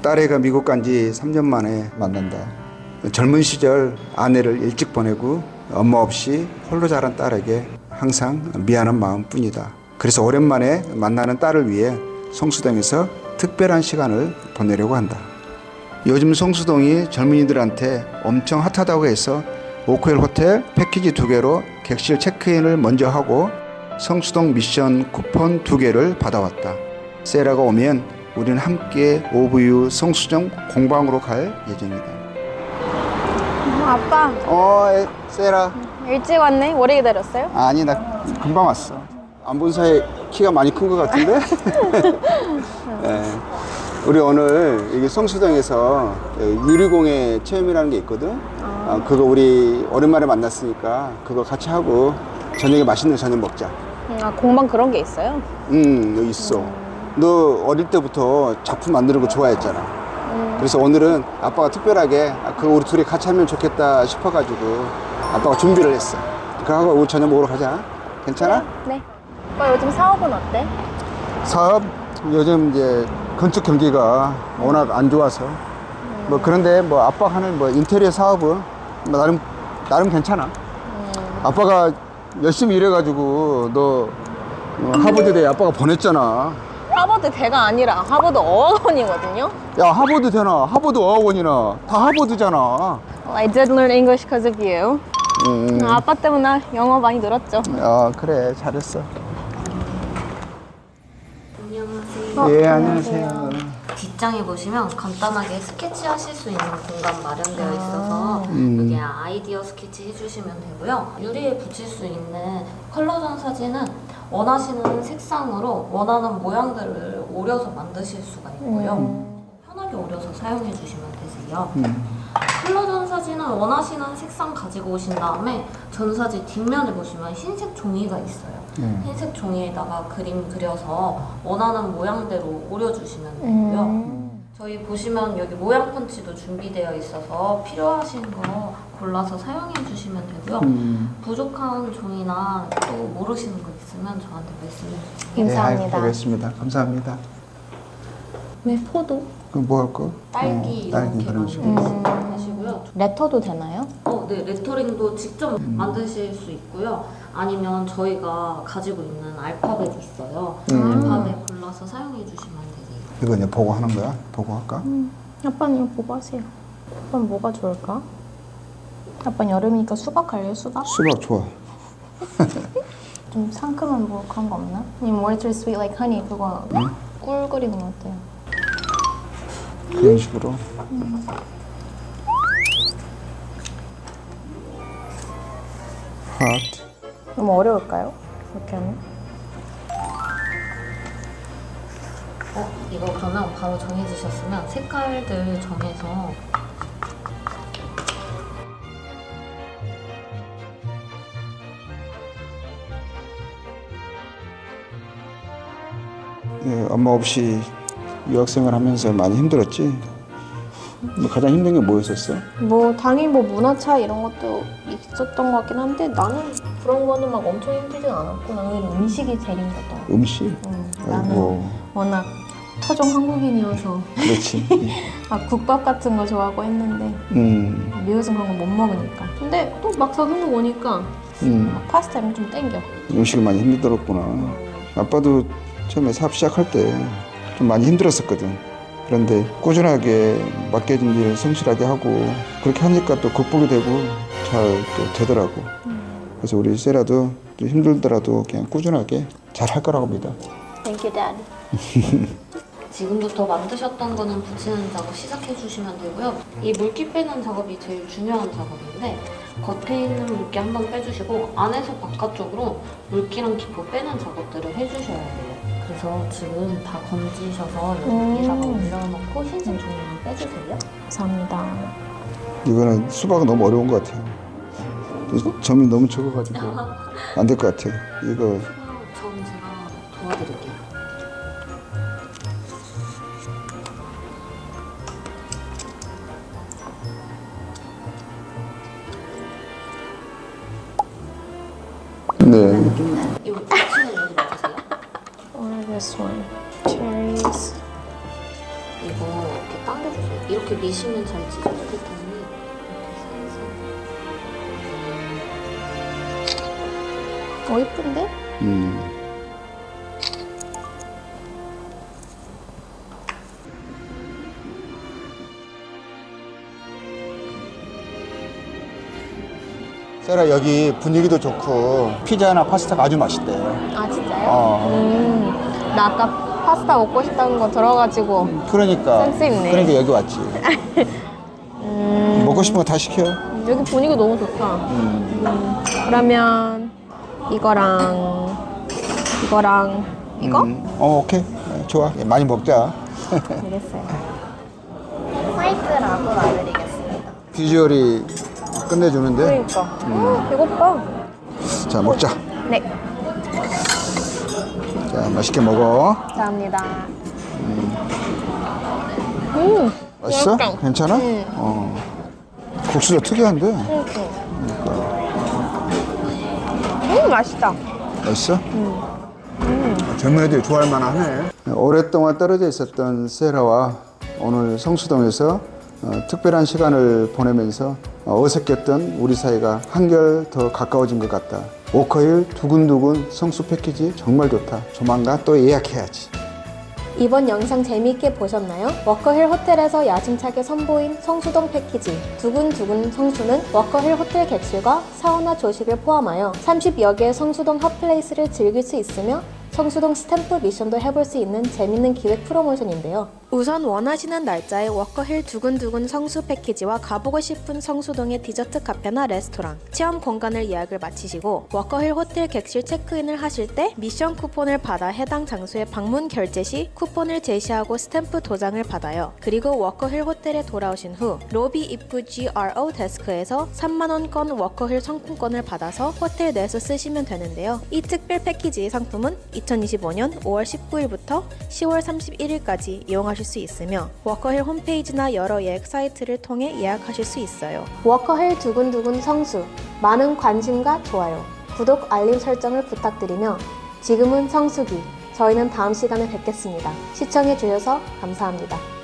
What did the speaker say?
딸애가 미국 간 지 3년 만에 만난다. 젊은 시절 아내를 일찍 보내고 엄마 없이 홀로 자란 딸에게 항상 미안한 마음뿐이다. 그래서 오랜만에 만나는 딸을 위해 성수동에서 특별한 시간을 보내려고 한다. 요즘 성수동이 젊은이들한테 엄청 핫하다고 해서 오크엘 호텔 패키지 2개로 객실 체크인을 먼저 하고 성수동 미션 쿠폰 2개를 받아왔다. 세라가 오면 우리는 함께 오브유 성수동 공방으로 갈 예정이다. 아빠 세라. 일찍 왔네? 오래 기다렸어요? 아니 나 금방 왔어. 안 본 사이에 키가 많이 큰 것 같은데? 네. 우리 오늘 여기 성수동에서 유리공예 체험이라는 게 있거든. 그거 우리 오랜만에 만났으니까 그거 같이 하고 저녁에 맛있는 저녁 먹자. 공방 그런 게 있어요? 여기 있어. 너 어릴 때부터 작품 만드는 거 좋아했잖아. 그래서 오늘은 아빠가 특별하게 그거 우리 둘이 같이 하면 좋겠다 싶어가지고 아빠가 준비를 했어. 그거 하고 우리 저녁 먹으러 가자. 괜찮아? 네. 오빠 요즘 사업은 어때? 사업 요즘 이제 건축 경기가 워낙 안 좋아서 뭐 그런데 뭐 아빠가 하는 뭐 인테리어 사업은 뭐 나름 괜찮아. 아빠가 열심히 일해가지고 너 하버드대 아빠가 보냈잖아. 하버드 대가 아니라 하버드 어학원이거든요. 야 하버드 되나 하버드 어학원이나 다 하버드잖아. I did learn English because of you. 아빠 때문에 영어 많이 늘었죠. 그래 잘했어. 안녕하세요. 예 안녕하세요. 뒷장에 보시면 간단하게 스케치 하실 수 있는 공간 마련되어 있어서 여기 아이디어 스케치 해주시면 되고요. 유리에 붙일 수 있는 컬러전 사진은 원하시는 색상으로 원하는 모양들을 오려서 만드실 수가 있고요. 편하게 오려서 사용해 주시면 되세요. 컬러전 사진은 원하시는 색상 가지고 오신 다음에 전사지 뒷면에 보시면 흰색 종이가 있어요. 흰색 종이에다가 그림 그려서 원하는 모양대로 오려주시면 되고요. 저희 보시면 여기 모양 펀치도 준비되어 있어서 필요하신 거 골라서 사용해 주시면 되고요. 부족한 종이나 또 모르시는 거 있으면 저한테 말씀해 주세요. 감사합니다. 알겠습니다. 감사합니다. 네, 포도. 그럼 뭐 할 거? 딸기 딸기 이렇게 그런 식으로. 하시고요. 레터도 되나요? 네, 레터링도 직접 만드실 수 있고요. 아니면 저희가 가지고 있는 알파벳 있어요. 알파벳 골라서 사용해 주시면 되세요. 이거 이제 보고 하는 거야? 보고 할까? 아빠는 이거 보고 하세요. 아빠는 뭐가 좋을까? 아빠는 여름이니까 수박 할래요? 수박? 수박 좋아. 좀 상큼한 뭐 그런 거 없나? 아니면 water sweet like honey 그거 꿀 그리는 거 어때요? 그런 식으로. 하트. 너무 어려울까요? 이렇게 하면? 이거 그러면 바로 정해지셨으면 색깔들 정해서 예, 엄마 없이 유학생활 하면서 많이 힘들었지? 뭐 가장 힘든 게 뭐였었어? 뭐 당연히 뭐 문화 차이 이런 것도 있었던 것 같긴 한데 나는 그런 거는 막 엄청 힘들진 않았고 나는 음식이 제일 힘들었던 것 음식? 같아. 나는 아이고, 워낙 토종 한국인이어서 그렇지. 막 국밥 같은 거 좋아하고 했는데 미국에서 그런 거 못 먹으니까 근데 또 막상 한국 오니까 막 파스타 이런 거 좀 땡겨. 음식이 많이 힘들었구나. 아빠도 처음에 사업 시작할 때 좀 많이 힘들었었거든. 그런데 꾸준하게 맡겨진 일 성실하게 하고 그렇게 하니까 또 극복이 되고 잘 또 되더라고. 그래서 우리 세라도 좀 힘들더라도 그냥 꾸준하게 잘 할 거라고 믿어. Thank you, Dad. 지금부터 만드셨던 거는 붙이는 작업 시작해 주시면 되고요. 이 물기 빼는 작업이 제일 중요한 작업인데 겉에 있는 물기 한번 빼주시고 안에서 바깥쪽으로 물기랑 기포 빼는 작업들을 해주셔야 돼요. 그래서 지금 다 건지셔서 여기다가 올려놓고 흰색 종이만 빼주세요. 감사합니다. 이거는 수박은 너무 어려운 것 같아요. 점이 너무 적어가지고 안 될 것 같아. 이거 점 제가 도와드릴게요. 네. 이거 붙이는 여기 맞으세요? Or this one. Cherries. 이거 이렇게 이렇게 미시면 잘 찢어지기 때문에 이렇게 이쁜데? 세라 여기 분위기도 좋고 피자나 파스타가 아주 맛있대. 아 진짜요? 나 아까 파스타 먹고 싶다는 거 들어가지고 그러니까. 센스 있네. 그러니까 여기 왔지. 먹고 싶은 거 다 시켜. 여기 분위기 너무 좋다. 그러면 이거랑 이거? 오케이. 좋아. 많이 먹자. 알겠어요. 화이트라고 놔드리겠습니다. 비주얼이 끝내주는데. 그러니까. 배고파. 자, 먹자. 네. 자, 맛있게 먹어. 감사합니다. 맛있어? 맛있다. 괜찮아? 국수도 특이한데. 맛있다. 맛있어? 젊은 애들이 좋아할 만하네. 오랫동안 떨어져 있었던 세라와 오늘 성수동에서 특별한 시간을 보내면서 어색했던 우리 사이가 한결 더 가까워진 것 같다. 워커힐 두근두근 성수 패키지 정말 좋다. 조만간 또 예약해야지. 이번 영상 재미있게 보셨나요? 워커힐 호텔에서 야심차게 선보인 성수동 패키지 두근두근 성수는 워커힐 호텔 객실과 사우나 조식을 포함하여 30여 개의 성수동 핫플레이스를 즐길 수 있으며 성수동 스탬프 미션도 해볼 수 있는 재밌는 기획 프로모션인데요. 우선 원하시는 날짜에 워커힐 두근두근 성수 패키지와 가보고 싶은 성수동의 디저트 카페나 레스토랑, 체험 공간을 예약을 마치시고 워커힐 호텔 객실 체크인을 하실 때 미션 쿠폰을 받아 해당 장소에 방문 결제 시 쿠폰을 제시하고 스탬프 도장을 받아요. 그리고 워커힐 호텔에 돌아오신 후 로비 입구 GRO 데스크에서 3만원권 워커힐 상품권을 받아서 호텔 내에서 쓰시면 되는데요. 이 특별 패키지 상품은 2025년 5월 19일부터 10월 31일까지 이용하실 수 있으며 워커힐 홈페이지나 여러 예약 사이트를 통해 예약하실 수 있어요. 워커힐 두근두근 성수, 많은 관심과 좋아요, 구독, 알림 설정을 부탁드리며 지금은 성수기, 저희는 다음 시간에 뵙겠습니다. 시청해주셔서 감사합니다.